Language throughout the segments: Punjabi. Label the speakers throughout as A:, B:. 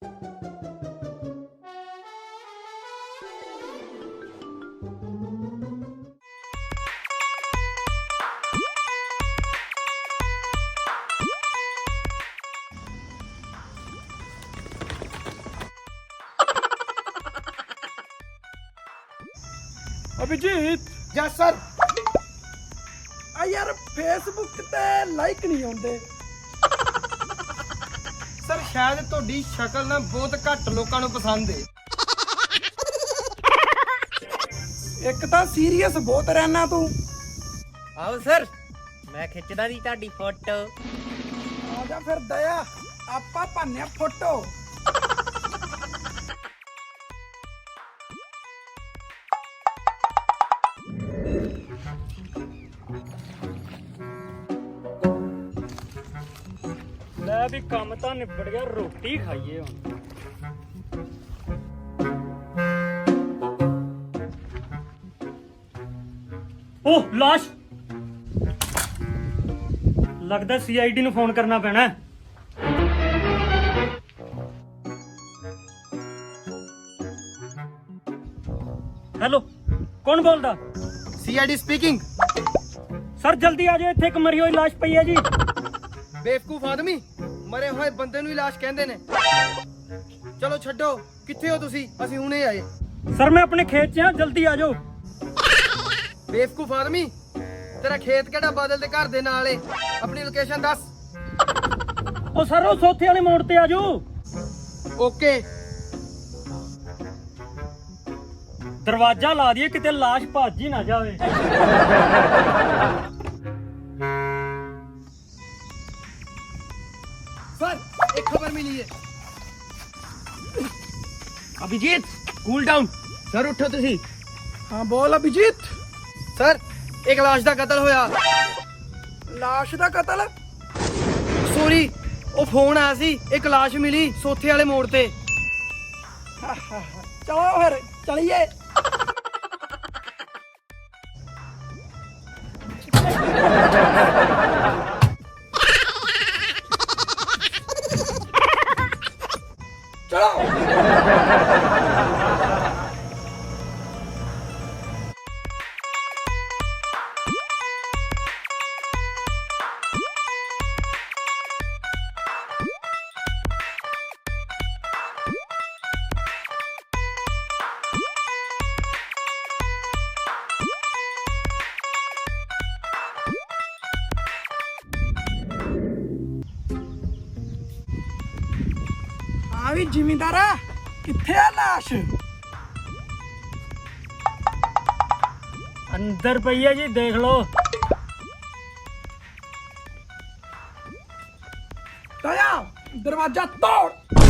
A: Abhijit
B: yes sir.
A: यार फेसबुक ते लाइक नहीं आउंदे
B: सर शायद ਤੁਹਾਡੀ ਸ਼ਕਲ ਨਾ ਬਹੁਤ ਘੱਟ ਲੋਕਾਂ ਨੂੰ ਪਸੰਦ ਹੈ।
A: एक तां सीरियस बहुत रहना तू।
C: आओ सर मैं खिचदा दी ਤੁਹਾਡੀ फोटो।
A: आजा फिर दया आपा भन्ने फोटो। ਲੈ ਵੀ ਕੰਮ ਤਾਂ ਨਿਬੜ ਗਿਆ, ਰੋਟੀ ਖਾਈਏ ਹੁਣ। ਓਹ ਲਾਸ਼, ਲੱਗਦਾ ਸੀਆਈਡੀ ਨੂੰ ਫੋਨ ਕਰਨਾ ਪੈਣਾ। ਹੈਲੋ, ਕੌਣ ਬੋਲਦਾ?
B: CID speaking.
A: ਸਰ ਜਲਦੀ ਆ ਜਾਓ, ਇੱਥੇ ਇੱਕ ਮਰੀ ਹੋਈ ਲਾਸ਼ ਪਈ ਹੈ ਜੀ।
B: ਬੇਵਕੂਫ ਆਦਮੀ, ਮਰੇ ਹੋਏ ਬੰਦੇ ਨੂੰ ਹੀ ਲਾਸ਼ ਕਹਿੰਦੇ ਨੇ। ਚਲੋ ਛੱਡੋ, ਕਿੱਥੇ ਹੋ ਤੁਸੀਂ? ਅਸੀਂ ਹੁਣੇ ਆਏ।
A: ਸਰ ਮੈਂ ਆਪਣੇ ਖੇਤ 'ਚ ਹਾਂ, ਜਲਦੀ ਆ ਜਾਓ।
B: ਬੇਵਕੂਫ ਆਦਮੀ, ਤੇਰਾ ਖੇਤ ਕਿਹੜਾ ਬਾਦਲ ਦੇ ਘਰ ਦੇ ਨਾਲ ਏ? ਆਪਣੀ ਲੋਕੇਸ਼ਨ ਦੱਸ।
A: ਉਹ ਸਰ ਉਹ ਸੋਥੇ ਵਾਲੇ ਮੋੜ ਤੇ ਆ ਜਾਓ।
B: ਓਕੇ।
A: ਦਰਵਾਜ਼ਾ ਲਾ ਦਈਏ, ਕਿਤੇ ਲਾਸ਼ ਭੱਜ ਹੀ ਨਾ ਜਾਵੇ।
B: सर एक खबर मिली है।
C: Abhijit cool down.
B: सर उठो तुसी।
A: हाँ बोल अभिजीत।
B: सर एक लाश दा कत्ल होया।
A: लाश दा कत्ल?
B: सॉरी, ओ फोन आया सी, एक लाश मिली सोथे वाले मोड़ ते।
A: चलो फिर चलिए। हाँ भी जिमींदारा, किथे आ लाश? अंदर पई है जी, देख लो। दया दरवाजा तोड़।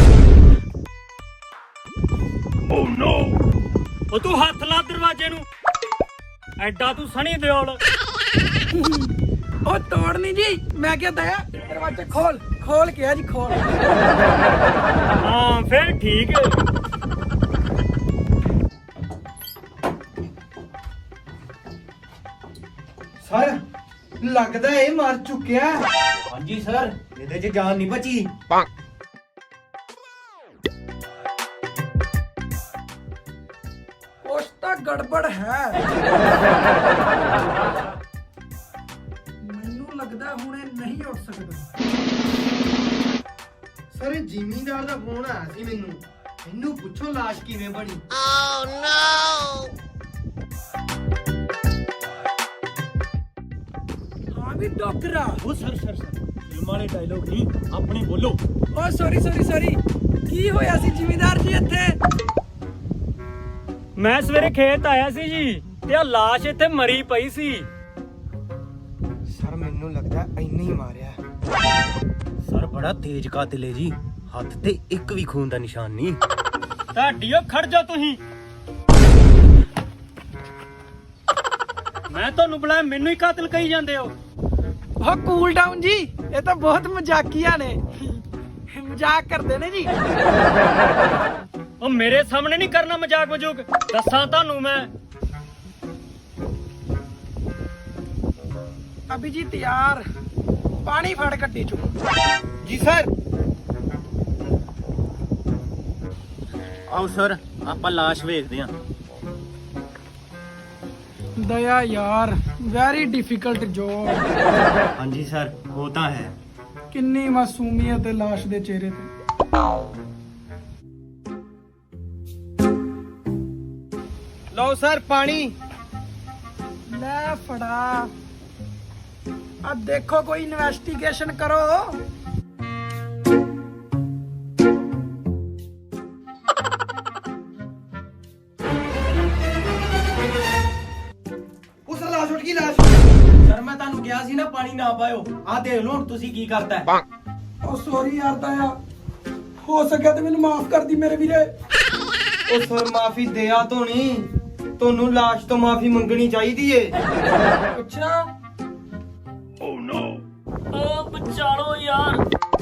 A: ओह नो, ओ तू हाथ ला दरवाजे नू, एडा तू सनी दिओल। ओ तोड़नी जी, मैं क्या दया, दरवाजा खोल खोल के जी खोल। हाँ फिर ठीक है।
B: सर लगदा है मर चुकिया।
C: हाँ जी सर, ਇਹਦੇ 'ਚ ਜਾਨ ਨਹੀਂ ਬਚੀ।
A: कुछ तो गड़बड़ है। मैनू लगदा हुणे नहीं उठ सकदा।
B: सर जिमींदार ਦਾ ਫੋਨ ਆਇਆ ਸੀ ਮੈਨੂੰ। ਇਹਨੂੰ ਪੁੱਛੋ ਲਾਸ਼ ਕਿਵੇਂ ਬਣੀ।
A: हाँ भी डॉक्टरा।
D: ਉਹ ਸਰ ਫਿਲਮ ਵਾਲੇ ਡਾਇਲੋਗ ਨਹੀਂ ਆਪਣੇ ਬੋਲੋ।
A: ओ सॉरी की होया सी जिमींदार जी ਇੱਥੇ? ਮੈਂ ਸਵੇਰੇ ਖੇਤ ਆਇਆ ਸੀ ਜੀ, ਤੇ ਆ ਲਾਸ਼ ਇੱਥੇ ਮਰੀ ਪਈ ਸੀ।
B: ਸਰ ਮੈਨੂੰ ਲੱਗਦਾ ਇੰਨੇ ਹੀ ਮਾਰਿਆ।
C: ਸਰ ਬੜਾ ਤੇਜ਼ ਕਾਤਿਲ ਹੈ ਜੀ, ਹੱਥ ਤੇ ਇੱਕ ਵੀ ਖੂਨ ਦਾ ਨਿਸ਼ਾਨ ਨਹੀਂ।
A: ਢਾਡੀਓ ਖੜ ਜਾ ਤੁਸੀਂ। ਮੈਂ ਤੁਹਾਨੂੰ ਬੁਲਾਇਆ, ਮੈਨੂੰ ਹੀ ਕਾਤਲ ਕਹੀ ਜਾਂਦੇ ਹੋ। ਉਹ ਕੂਲ ਡਾਊਨ ਜੀ, ਇਹ ਤਾਂ ਬਹੁਤ ਮਜ਼ਾਕੀਆ ਨੇ, ਮਜ਼ਾਕ ਕਰਦੇ ਨੇ ਜੀ। ਉਹ ਮੇਰੇ ਸਾਹਮਣੇ ਨਹੀਂ ਕਰਨਾ ਮਜ਼ਾਕ ਮਜੂਕ, ਦੱਸਾਂ ਤੁਹਾਨੂੰ ਮੈਂ। ਅਭਿਜੀਤ ਯਾਰ, ਪਾਣੀ ਫੜ ਕੱਟੀ ਚੋ।
B: ਜੀ ਸਰ।
C: ਆਓ ਸਰ ਆਪਾਂ ਲਾਸ਼ ਵੇਖਦੇ ਹਾਂ।
A: ਦਇਆ ਯਾਰ ਵੈਰੀ ਡਿਫਿਕਲਟ ਜੋਬ।
C: ਹਾਂਜੀ ਸਰ ਉਹ ਤਾਂ ਹੈ।
A: ਕਿੰਨੀ ਮਾਸੂਮੀਅਤ ਹੈ ਲਾਸ਼ ਦੇ ਚਿਹਰੇ ਤੇ।
B: ਲਓ ਸਰ ਪਾਣੀ।
A: ਲੈ ਫੜਾ। ਆ ਦੇਖੋ ਕੋਈ ਇਨਵੈਸਟੀਗੇਸ਼ਨ ਕਰੋ।
B: ਉਸ ਲਾਸ਼ ਉੱਠ ਗਈ ਲਾਸ਼।
C: ਸਰ ਮੈਂ ਤੁਹਾਨੂੰ ਕਿਹਾ ਸੀ ਨਾ ਪਾਣੀ ਨਾ ਪਾਇਓ। ਆਹ ਦੇਖ ਲਓ ਹੁਣ ਤੁਸੀਂ ਕੀ ਕਰਤਾ ਹੈ।
A: ਉਹ ਸੌਰੀ ਯਾਰ ਦਇਆ, ਹੋ ਸਕਿਆ ਤੇ ਮੈਨੂੰ ਮਾਫ ਕਰ ਦੀ ਮੇਰੇ ਵੀਰੇ।
B: ਉਹ ਸਰ ਮਾਫੀ ਦਿਆ ਤੋਂ ਨਹੀਂ, ਤੁਹਾਨੂੰ ਲਾਸ਼ ਤੋਂ ਮਾਫੀ ਮੰਗਣੀ ਚਾਹੀਦੀ ਏ।
A: ਅੱਛਾ
D: ਉਹ ਬਚਾਲੋ ਯਾਰ।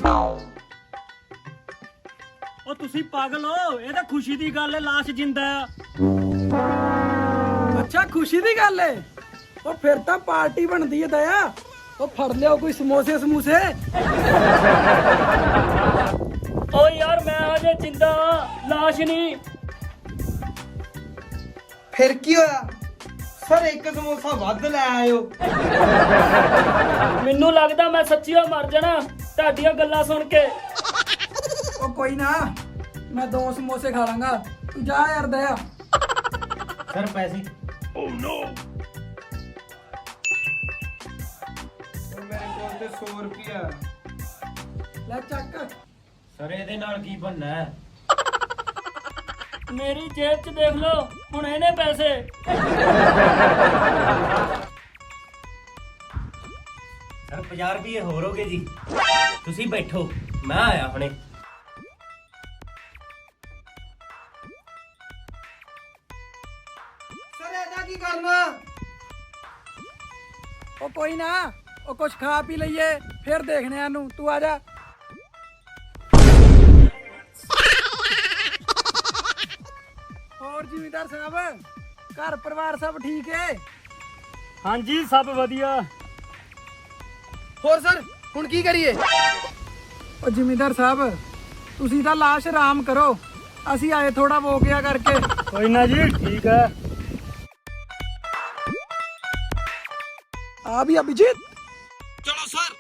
D: ਉਹ ਤੁਸੀਂ ਪਾਗਲ ਹੋ, ਇਹ ਤਾਂ ਖੁਸ਼ੀ ਦੀ ਗੱਲ ਹੈ, ਲਾਸ਼ ਜਿੰਦਾ ਆ।
A: ਅੱਛਾ ਖੁਸ਼ੀ ਦੀ ਗੱਲ ਏ। ਉਹ ਫਿਰ ਤਾਂ ਪਾਰਟੀ ਬਣਦੀ ਏ ਦਇਆ। ਉਹ ਫੜ ਲਿਓ ਕੋਈ ਸਮੋਸੇ ਸਮੂਸੇ।
D: ਓ ਯਾਰ ਮੈਂ ਹਜੇ ਜਿੰਦਾ ਹਾਂ, ਲਾਸ਼ ਨਹੀਂ।
B: ਫਿਰ ਕੀ ਹੋਇਆ ਸਰ? ਇੱਕ ਸਮੋਸਾ ਵੱਧ ਲੈ ਆਇਓ।
D: ਮੈਨੂੰ ਲੱਗਦਾ ਮੈਂ ਸੱਚੀਓ ਮਰ ਜਾਣਾ ਤੁਹਾਡੀਆਂ ਗੱਲਾਂ ਸੁਣ ਕੇ।
A: ਉਹ ਕੋਈ ਨਾ, ਮੈਂ 2 ਸਮੋਸੇ ਖਾ ਲਾਂਗਾ। ਤੂੰ ਜਾ ਯਾਰ ਦਇਆ।
C: ਸਰ ਪੈਸੇ।
B: ਮੇਰੇ ਕੋਲ ਤੇ 100 ਰੁਪਿਆ।
A: ਲੈ ਚੱਕ।
C: ਸਰ ਇਹਦੇ ਨਾਲ ਕੀ ਬਣਨਾ ਹੈ?
D: ਮੇਰੀ ਜੇਬ 'ਚ ਦੇਖ ਲਓ ਹੁਣ ਇਹਨੇ ਪੈਸੇ।
C: ਸਰ 50 ਰੁਪਏ ਹੋਰ ਹੋਗੇ ਜੀ। ਤੁਸੀਂ ਬੈਠੋ ਮੈਂ ਆਇਆ ਹੁਣੇ।
B: ਸਰ ਇਹਦਾ ਕੀ ਕਰਨਾ?
A: ਉਹ ਕੋਈ ਨਾ, ਉਹ ਕੁਛ ਖਾ ਪੀ ਲਈਏ ਫਿਰ ਦੇਖਨੇ ਆ ਨੂੰ। ਤੂੰ ਆ ਜਾ। ਹੋਰ ਜ਼ਿਮੀਂਦਾਰ ਸਾਹਿਬ, ਘਰ ਪਰਿਵਾਰ ਸਭ ਠੀਕ ਹੈ?
D: ਹਾਂਜੀ ਸਭ ਵਧੀਆ।
B: ਹੋਰ ਸਰ ਹੁਣ ਕੀ ਕਰੀਏ?
A: ਉਹ ਜ਼ਿਮੀਂਦਾਰ ਸਾਹਿਬ ਤੁਸੀਂ ਤਾਂ ਲਾਸ਼ ਆਰਾਮ ਕਰੋ, ਅਸੀਂ ਆਏ ਥੋੜਾ ਵੋ ਗਿਆ ਕਰਕੇ।
D: ਕੋਈ ਨਾ ਜੀ ਠੀਕ ਹੈ।
A: ਆ ਵੀ ਅਭਿਜੀਤ।
B: ਚਲੋ ਸਰ।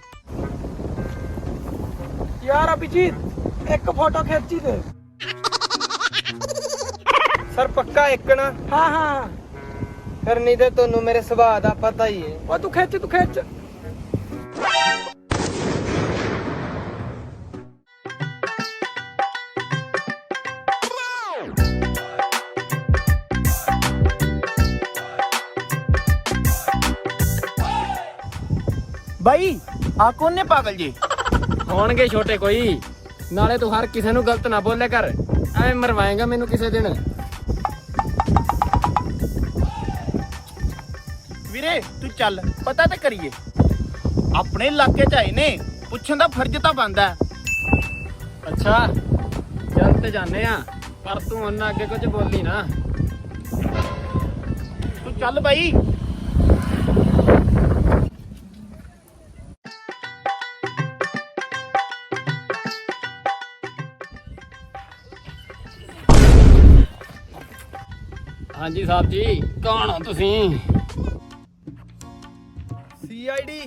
A: ਯਾਰ ਅਭਿਜੀਤ ਇੱਕ ਫੋਟੋ ਖਿੱਚੀ ਦੇ।
B: ਸਰ ਪੱਕਾ ਇੱਕ ਨਾ?
A: ਹਾਂ ਹਾਂ।
B: ਫਿਰ ਨਹੀਂ ਤੇ ਤੁਹਾਨੂੰ ਮੇਰੇ ਸੁਭਾਅ ਦਾ ਪਤਾ ਹੀ ਏ।
A: ਉਹ ਤੂੰ ਖਿੱਚ ਤੂੰ ਖਿੱਚ।
E: ਬਾਈ ਆ ਕੌਣ ਨੇ ਪਾਗਲ ਜੀ?
F: ਹੋਣਗੇ ਛੋਟੇ ਕੋਈ। ਨਾਲੇ ਤੂੰ ਹਰ ਕਿਸੇ ਨੂੰ ਗਲਤ ਨਾ ਬੋਲਿਆ ਕਰ, ਐਵੇਂ ਮਰਵਾਏਗਾ ਮੈਨੂੰ ਕਿਸੇ ਦਿਨ।
E: ਵੀਰੇ ਤੂੰ ਚੱਲ ਪਤਾ ਤਾਂ ਕਰੀਏ। ਆਪਣੇ ਇਲਾਕੇ ਚ ਆਏ ਨੇ, ਪੁੱਛਣ ਦਾ ਫਰਜ਼ ਤਾਂ ਬਣਦਾ।
F: ਅੱਛਾ ਚੱਲ ਤੇ ਜਾਣੇ ਆ, ਪਰ ਤੂੰ ਉਹਨਾਂ ਅੱਗੇ ਕੁਝ ਬੋਲੀ ਨਾ।
E: ਤੂੰ ਚੱਲ ਬਾਈ।
F: ਹਾਂਜੀ ਸਾਹਿਬ ਜੀ, ਕੌਣ ਹੋ ਤੁਸੀਂ?
B: CID।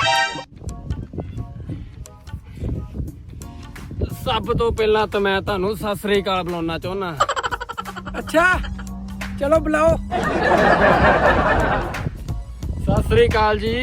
F: ਸਭ ਤੋਂ ਪਹਿਲਾਂ ਤਾਂ ਮੈਂ ਤੁਹਾਨੂੰ ਸਤਿ ਸ੍ਰੀ ਅਕਾਲ ਬੁਲਾਉਣਾ ਚਾਹੁੰਦਾ।
A: ਅੱਛਾ ਚਲੋ ਬੁਲਾਓ।
F: ਸਤਿ ਸ੍ਰੀ ਅਕਾਲ ਜੀ।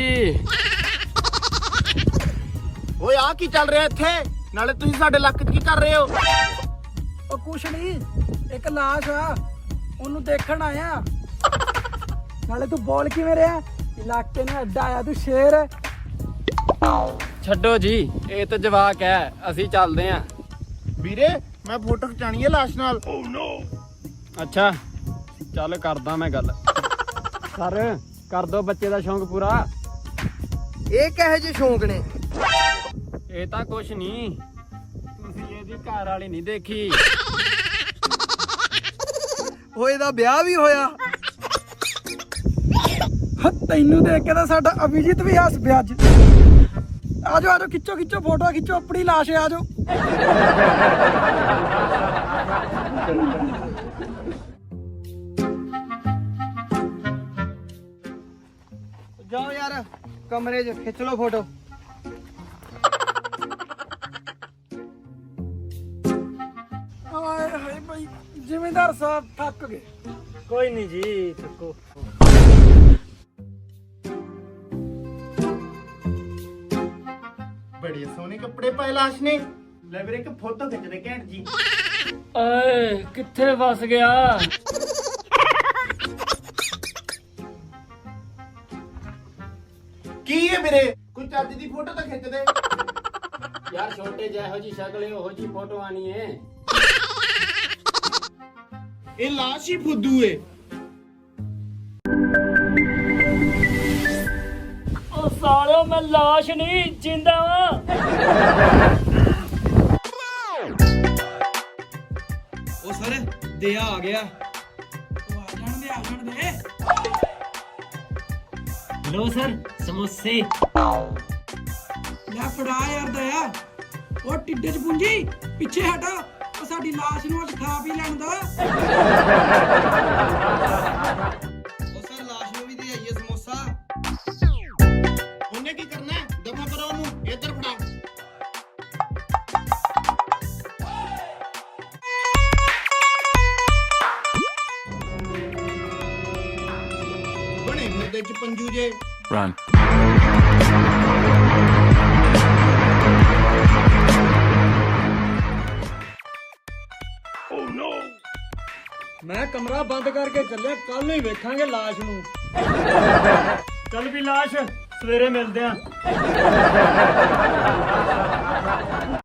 E: ਓਏ ਆ ਕੀ ਚੱਲ ਰਿਹਾ ਇੱਥੇ? ਨਾਲੇ ਤੁਸੀਂ ਸਾਡੇ ਇਲਾਕੇ 'ਚ ਕੀ ਕਰ ਰਹੇ ਹੋ?
A: ਉਹ ਕੁਛ ਨਹੀਂ, ਇੱਕ ਲਾਸ਼ ਆ, ਉਹਨੂੰ ਦੇਖਣ ਆਇਆ। ਨਾਲੇ ਤੂੰ ਬੋਲ ਕਿਵੇਂ ਰਿਹਾ? ਇਲਾਕੇ ਨੇ ਅੱਡਾ ਆਇਆ, ਤੂੰ ਸ਼ੇਰ ਹੈ।
F: ਛੱਡੋ ਜੀ, ਇਹ ਤਾਂ ਜਵਾਕ ਹੈ, ਅਸੀਂ ਚੱਲਦੇ ਆਂ।
E: ਵੀਰੇ ਮੈਂ ਫੋਟੋ ਖਿਚਾਣੀ ਹੈ ਲਾਸ਼ ਨਾਲ।
F: ਅੱਛਾ ਚੱਲ ਕਰਦਾ ਮੈਂ ਗੱਲ। ਸਰ ਕਰ ਦੋ ਬੱਚੇ ਦਾ ਸ਼ੌਂਕ ਪੂਰਾ।
B: ਇਹ ਕਿਹੋ ਜਿਹੇ ਸ਼ੌਂਕ ਨੇ?
F: ਇਹ ਤਾਂ ਕੁਛ ਨਹੀਂ, ਤੁਸੀਂ ਇਹਦੀ ਘਰ ਵਾਲੀ ਨਹੀਂ ਦੇਖੀ।
B: ਉਹ ਇਹਦਾ ਵਿਆਹ ਵੀ ਹੋਇਆ?
A: ਤੈਨੂੰ ਦੇਖ ਕੇ ਤਾਂ ਸਾਡਾ ਅਭਿਜੀਤ ਵੀ ਹੱਸ ਪਿਆ ਅੱਜ। ਆਜੋ ਆਜੋ, ਖਿੱਚੋ ਖਿੱਚੋ ਫੋਟੋ ਖਿੱਚੋ, ਆਪਣੀ ਲਾਸ਼ ਹੈ, ਆਜੋ।
B: ਕਮਰੇ 'ਚ ਖਿੱਚ ਲਓ ਫੋਟੋ।
A: ਹਾਏ ਹਾਏ ਭਾਈ ਜ਼ਿਮੀਂਦਾਰ ਸਾਹਿਬ ਥੱਕ ਗਏ।
D: ਕੋਈ ਨਹੀਂ ਜੀ ਚੱਕੋ।
E: ਬੜੇ ਸੋਹਣੇ ਕੱਪੜੇ ਪਾਏ ਲਾਸ਼ ਨੇ। ਲੈ ਵੀਰੇ ਇੱਕ ਫੋਟੋ ਖਿੱਚਦੇ ਘੈਂਟ ਜੀ।
D: ਓਏ ਕਿੱਥੇ ਫਸ ਗਿਆ?
E: ਕੀ ਹੈ ਵੀਰੇ ਕੋਈ ਚੱਜ ਦੀ ਫੋਟੋ ਤਾਂ ਖਿੱਚ ਦੇ।
F: ਯਾਰ ਛੋਟੇ ਜਿਹੋ ਜੀ ਸ਼ਕਲ ਹੈ ਉਹੋ ਜੀ ਫੋਟੋ ਆਣੀ ਹੈ।
E: ਇਹ ਲਾਸ਼ ਹੀ ਫੁੱਦੂ ਏ।
D: ਉਹ ਸਾਲਿਓ ਮੈਂ ਲਾਸ਼ ਨਹੀਂ ਜਿੰਦਾ ਵਾਂ।
B: ਉਹ ਸਰ ਦਿਆ ਆ ਗਿਆ।
A: ਉਹ ਆ ਜਾਣ ਦੇ
D: ਲੋ ਸਰ ਸਮੋਸੇ।
A: ਲੈ ਫੜਾ ਯਾਰ ਦਇਆ। ਉਹ ਟਿੱਡੇ ਚ ਪੁੰਜੀ ਪਿੱਛੇ ਹਟਾ। ਉਹ ਸਾਡੀ ਲਾਸ਼ ਨੂੰ ਅੱਜ ਖਾ ਪੀ ਲੈਣ ਦਾ।
B: ਉਹ ਸਰ ਲਾਸ਼ ਨੂੰ ਵੀ ਦੇ ਆਈਏ ਸਮੋਸਾ।
E: ਉਹਨੇ ਕੀ ਕਰਨਾ ਹੈ? ਦਫਾ ਕਰੋ ਉਹਨੂੰ। ਇੱਧਰ ਫੜਾ। ਬਣੇ ਫਿਰਦੇ ਚ ਪੰਜੂ ਜੇ।
D: ਮੈਂ ਕਮਰਾ ਬੰਦ ਕਰਕੇ ਚੱਲਿਆ। ਕੱਲ ਨੂੰ ਹੀ ਵੇਖਾਂਗੇ ਲਾਸ਼ ਨੂੰ। ਚੱਲ ਵੀ ਲਾਸ਼ ਸਵੇਰੇ ਮਿਲਦੇ ਆਂ।